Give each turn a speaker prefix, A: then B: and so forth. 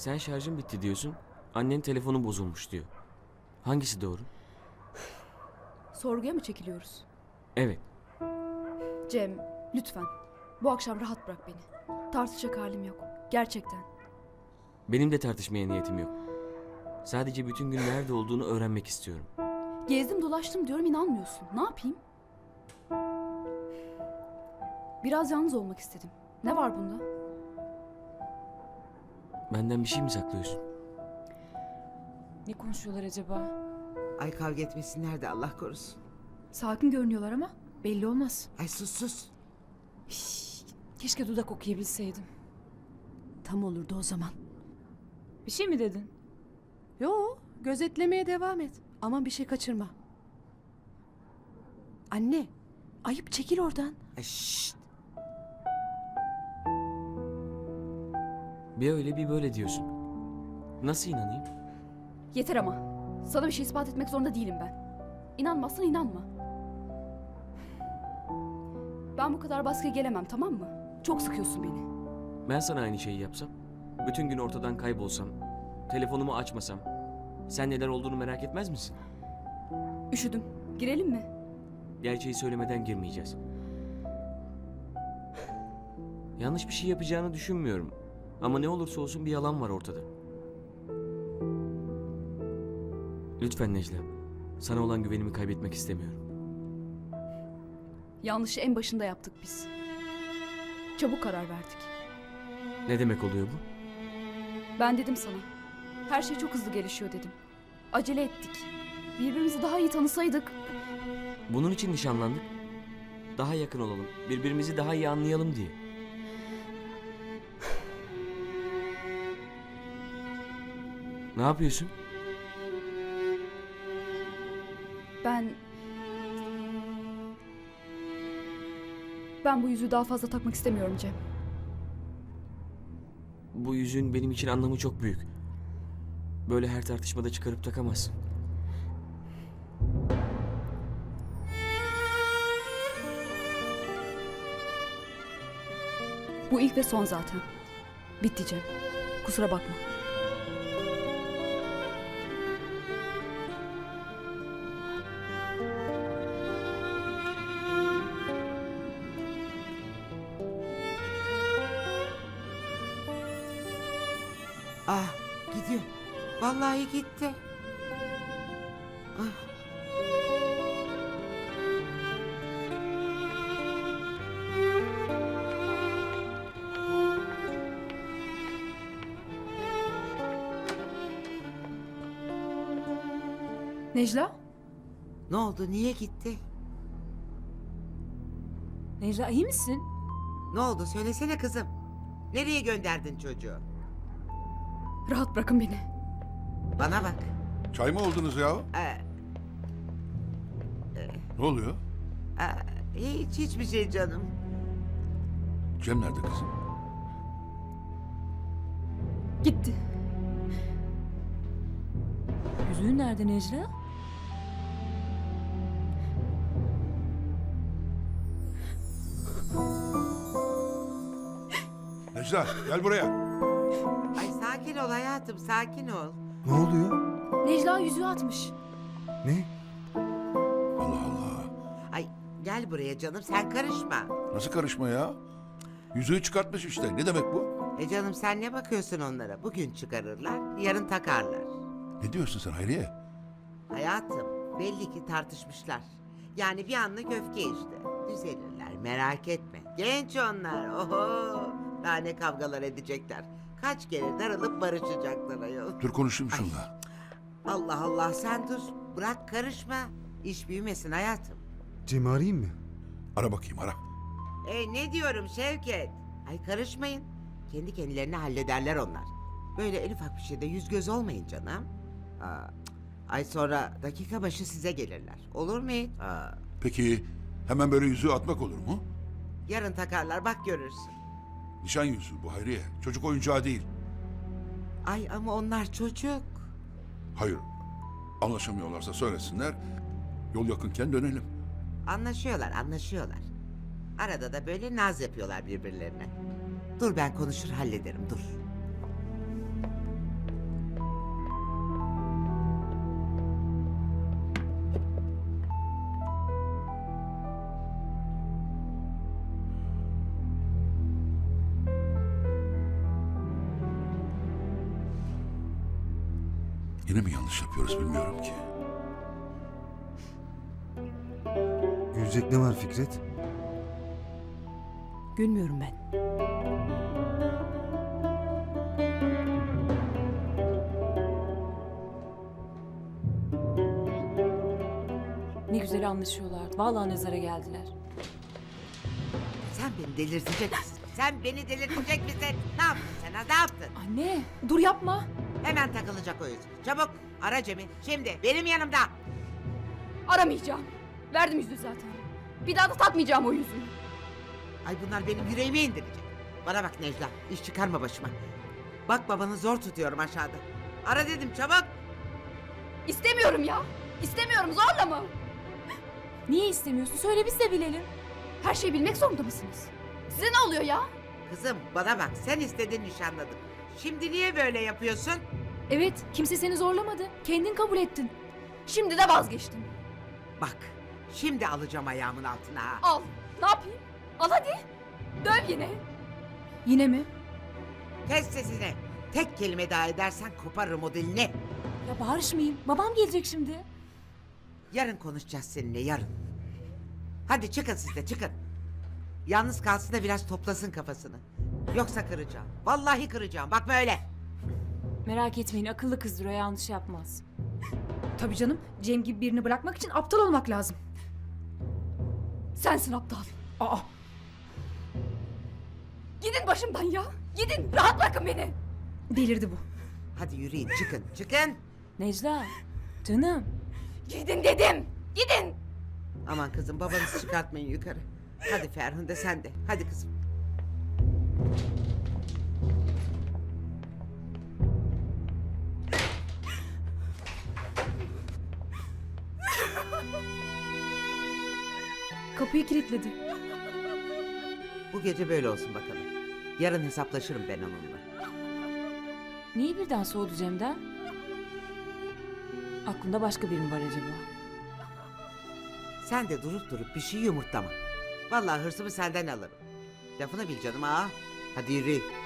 A: Sen şarjın bitti diyorsun. Annen telefonu bozulmuş diyor. Hangisi doğru?
B: Sorguya mı çekiliyoruz?
A: Evet.
B: Cem, lütfen. Bu akşam rahat bırak beni. Tartışacak halim yok. Gerçekten.
A: Benim de tartışmaya niyetim yok. Sadece bütün gün nerede olduğunu öğrenmek istiyorum.
B: Gezdim dolaştım diyorum, inanmıyorsun. Ne yapayım? Biraz yalnız olmak istedim. Ne var bunda?
A: Benden bir şey mi saklıyorsun?
C: Ne konuşuyorlar acaba?
D: Ay kavga etmesinler de Allah korusun.
B: Sakin görünüyorlar ama belli olmaz.
D: Ay sus.
C: Keşke dudak okuyabilseydim.
B: Tam olurdu o zaman.
C: Bir şey mi dedin?
E: Yo, gözetlemeye devam et. Aman bir şey kaçırma. Anne, ayıp, çekil oradan.
D: Ay şşt.
A: Bir öyle bir böyle diyorsun. Nasıl inanayım?
B: Yeter ama. Sana bir şey ispat etmek zorunda değilim ben. İnanmazsan inanma. Ben bu kadar baskıya gelemem, tamam mı? Çok sıkıyorsun beni.
A: Ben sana aynı şeyi yapsam, bütün gün ortadan kaybolsam, telefonumu açmasam, sen neler olduğunu merak etmez misin?
B: Üşüdüm. Girelim mi?
A: Gerçeği söylemeden girmeyeceğiz. Yanlış bir şey yapacağını düşünmüyorum. Ama ne olursa olsun bir yalan var ortada. Lütfen Necla, sana olan güvenimi kaybetmek istemiyorum.
B: Yanlışı en başında yaptık biz. Çabuk karar verdik.
A: Ne demek oluyor bu?
B: Ben dedim sana. Her şey çok hızlı gelişiyor dedim. Acele ettik. Birbirimizi daha iyi tanısaydık.
A: Bunun için nişanlandık. Daha yakın olalım, birbirimizi daha iyi anlayalım diye. Ne yapıyorsun?
B: Ben bu yüzüğü daha fazla takmak istemiyorum Cem.
A: Bu yüzüğün benim için anlamı çok büyük. Böyle her tartışmada çıkarıp takamazsın.
B: Bu ilk ve son zaten. Bitti Cem. Kusura bakma.
D: Ah gidiyor. Vallahi gitti. Ah.
B: Necla?
D: Ne oldu, niye gitti?
C: Necla iyi misin?
D: Ne oldu söylesene kızım. Nereye gönderdin çocuğu?
B: Rahat bırakın beni.
D: Bana bak.
F: Çay mı oldunuz ya?
D: Ee,
F: Ne oluyor?
D: hiçbir şey canım.
F: Cem nerede kızım?
B: Gitti.
C: Yüzüğün nerede Necla?
F: Necla gel buraya.
D: Ay sakin ol hayatım, sakin ol.
G: Ne oluyor?
B: Necla yüzüğü atmış.
G: Ne?
F: Allah Allah.
D: Ay gel buraya canım, sen karışma.
F: Nasıl karışma ya? Yüzüğü çıkartmış işte. Ne demek bu?
D: Canım sen ne bakıyorsun onlara? Bugün çıkarırlar, yarın takarlar.
F: Ne diyorsun sen Hayriye?
D: Hayatım, belli ki tartışmışlar. Yani bir anlık öfke işte. Düzelirler, merak etme. Genç onlar, oho. Daha ne kavgalar edecekler. Kaç kere darılıp barışacaklar ayol.
F: Dur konuşayım şunla.
D: Allah Allah, sen dur. Bırak karışma. İş büyümesin hayatım.
G: Cem'i arayayım mı?
F: Ara bakayım ara.
D: Ne diyorum Şevket? Ay karışmayın. Kendi kendilerini hallederler onlar. Böyle en ufak bir şeyde yüz göz olmayın canım. Ay sonra dakika başı size gelirler. Olur mu hiç?
F: Peki hemen böyle yüzüğü atmak olur mu?
D: Yarın takarlar, bak görürsün.
F: Nişan yüzüğü bu Hayriye. Çocuk oyuncağı değil.
D: Ay ama onlar çocuk.
F: Hayır. Anlaşamıyorlarsa söylesinler. Yol yakınken dönelim.
D: Anlaşıyorlar. Arada da böyle naz yapıyorlar birbirlerine. Dur ben konuşur hallederim, dur.
F: Yine mi yanlış yapıyoruz bilmiyorum ki.
G: Gülecek ne var Fikret?
E: Gülmüyorum ben.
C: Ne güzel anlaşıyorlardı. Vallahi nazara geldiler.
D: Sen beni delirtecek misin? Sen beni delirtecek misin? Ne yaptın sen ha? Ne yaptın?
C: Anne dur yapma.
D: Hemen takılacak o yüzük. Çabuk ara Cem'i. Şimdi benim yanımda.
B: Aramayacağım. Verdim yüzüğü zaten. Bir daha da takmayacağım o yüzüğü.
D: Ay bunlar benim yüreğimi indirecek. Bana bak Necla, iş çıkarma başıma. Bak babanı zor tutuyorum aşağıda. Ara dedim çabuk.
B: İstemiyorum ya. İstemiyorum, zorlama.
C: Niye istemiyorsun? Söyle biz de bilelim.
B: Her şeyi bilmek zorunda mısınız? Size ne oluyor ya?
D: Kızım bana bak, sen istedin nişanladık. Şimdi niye böyle yapıyorsun?
C: Evet kimse seni zorlamadı. Kendin kabul ettin.
B: Şimdi de vazgeçtim.
D: Bak, şimdi alacağım ayağımın altına ha.
B: Al. Ne yapayım? Al hadi. Döv yine.
C: Yine mi?
D: Kes sesini. Tek kelime daha edersen koparırım o dilini.
C: Ya bağırışmayayım. Babam gelecek şimdi.
D: Yarın konuşacağız seninle, yarın. Hadi çıkın siz de, çıkın. Yalnız kalsın da biraz toplasın kafasını. Yoksa kıracağım. Vallahi kıracağım. Bakma öyle.
C: Merak etmeyin akıllı kızdır o yanlış yapmaz.
H: Tabii canım. Cem gibi birini bırakmak için aptal olmak lazım.
B: Sensin aptal.
H: Aa,
B: Gidin başımdan ya. Gidin. Rahat bırakın beni.
H: delirdi bu.
D: Hadi yürüyün, çıkın, çıkın.
C: Necla canım.
B: Gidin dedim. Gidin.
D: Aman kızım, babanızı çıkartmayın yukarı. Hadi Ferhunde sen de. Hadi kızım.
C: Kapıyı kilitledi.
D: Bu gece böyle olsun bakalım. Yarın hesaplaşırım ben onunla.
C: Niye birden soğudu Cem'den? Aklında başka biri mi var acaba?
D: Sen de durup durup bir şey yumurtlama. Vallahi hırsımı senden alırım. Lafını bil canım ha. Hadi yürü.